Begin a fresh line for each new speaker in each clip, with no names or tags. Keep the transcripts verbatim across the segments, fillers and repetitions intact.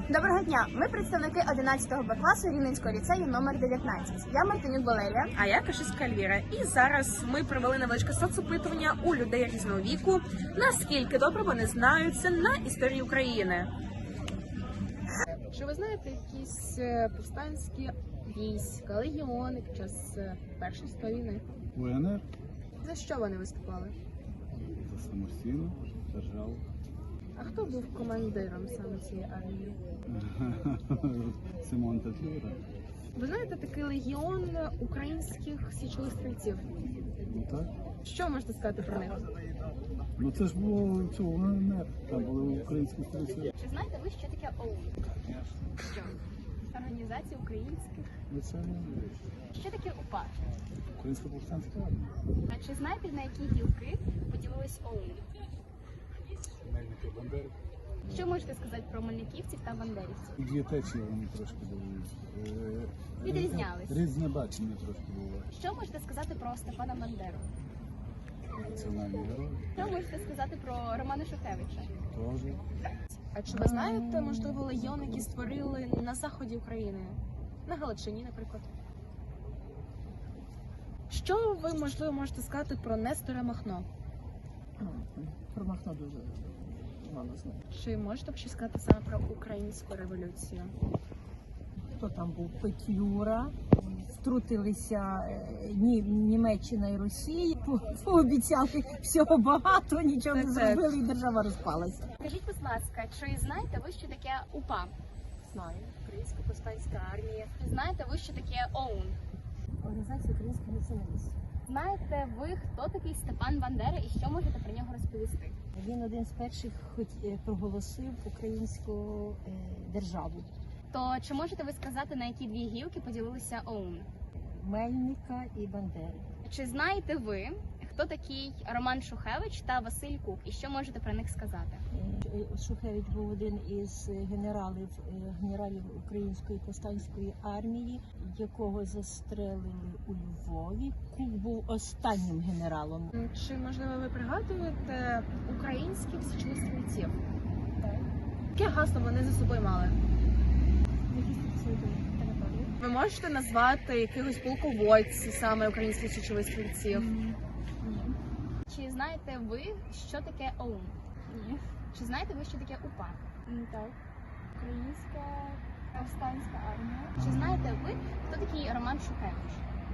Доброго дня! Ми представники одинадцятого Б класу Рівненського ліцею номер дев'ятнадцять. Я Мартинюк Валерія.
А я Кашиська Альвіра. І зараз ми провели невеличке соцопитування у людей різного віку, наскільки добре вони знаються на історії України.
Чи ви знаєте якісь повстанські війська, легіони під час Першої світової війни?
УНР
За що вони виступали?
за самостійну державу.
А хто був командиром саме цієї армії?
Симон Петлюра.
Ви знаєте такий легіон українських січових стрільців?
Ну так.
Що можете сказати про них?
Ну це ж було цього УНР. Там були українські стрільці.
Чи знаєте ви, що таке ОУН? Що? Організація українських.
Ну це
Що таке УПА?
українська повстанська армія.
А чи знаєте, на які гілки поділились ОУН?
Мельники Бандери.
Що можете сказати про мельниківців та бандерівців?
І дві течії вони трошки були. е,
Відрізнялись.
Різне бачення трошки було.
Що можете сказати про Степана Бандеру?
Національний герой.
Що можете сказати про Романа Шухевича?
Теж.
А чи ви знаєте, можливо, легіон, який створили на заході України? На Галичині, наприклад. Що ви, можливо, можете сказати про Нестора Махно?
Про Махно дуже мало знаю.
Чи можете щось сказати саме про українську революцію?
Хто там був? Петлюра. Втрутилися е, Ні- Німеччина і Росія, по- пообіцяли всього багато, нічого не
Так,
зробили, і держава розпалася.
Скажіть, будь ласка, чи знаєте ви, що таке УПА?
Знаю. Українська повстанська армія.
Чи знаєте ви, що таке ОУН?
Організація українських націоналістів.
Знаєте ви, хто такий Степан Бандера і що можете про нього розповісти?
Він один з перших хоч е, проголосив українську е, державу.
То чи можете ви сказати, на які дві гілки поділилися ОУН?
Мельника і Бандери.
Чи знаєте ви, хто такий Роман Шухевич та Василь Кук, і що можете про них сказати?
Е, Шухевич був один із генералів, е, генералів Української повстанської армії, якого застрелили у Львові. Кук був останнім генералом.
Чи, можливо, ви пригадуєте українських січових стрільців?
Так.
Яке гасло вони за собою мали? Ви можете назвати якихось полководців саме українських січових стрільців?
Чи знаєте ви, що таке ОУН?
Ні.
Чи знаєте ви, що таке УПА?
Так. Українська повстанська армія.
Чи знаєте ви, хто такий Роман Шухевич?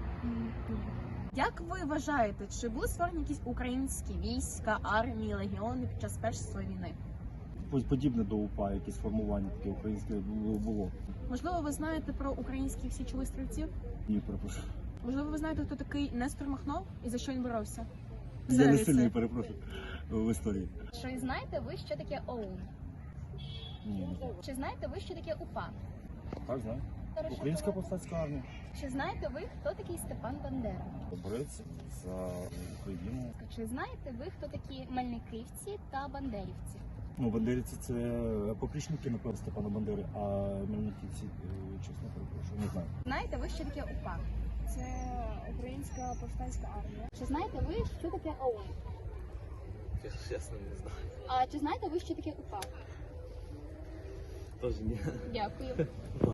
Як ви вважаєте, чи були створені якісь українські війська, армії, легіони під час Першої світової війни?
Подібне до УПА, якісь формування таке українське було.
Можливо, ви знаєте про українських січових стрільців?
Ні, перепрошую.
Можливо, ви знаєте, хто такий Нестор Махно і за що він боровся?
Я не
Взагалі
сильний,
це.
перепрошую, в історії.
Чи знаєте ви, що таке ОУН?
Ні, не знаю.
Чи знаєте ви, що таке УПА?
Так, знаю. Українська повстанська армія.
Чи знаєте ви, хто такий Степан Бандера?
Борець за Україну.
Чи знаєте ви, хто такі мельниківці та бандерівці?
Ну, бандерівці це поплічники, напевно, Степана Бандери, а мельниківці, е, чесно перепрошую, не знаю.
Знаєте ви, що таке УПА?
Це українська повстанська армія.
Чи знаєте ви, що таке ОУН?
Чесно, не знаю.
А чи знаєте ви, що таке УПА?
Тож ні.
Дякую.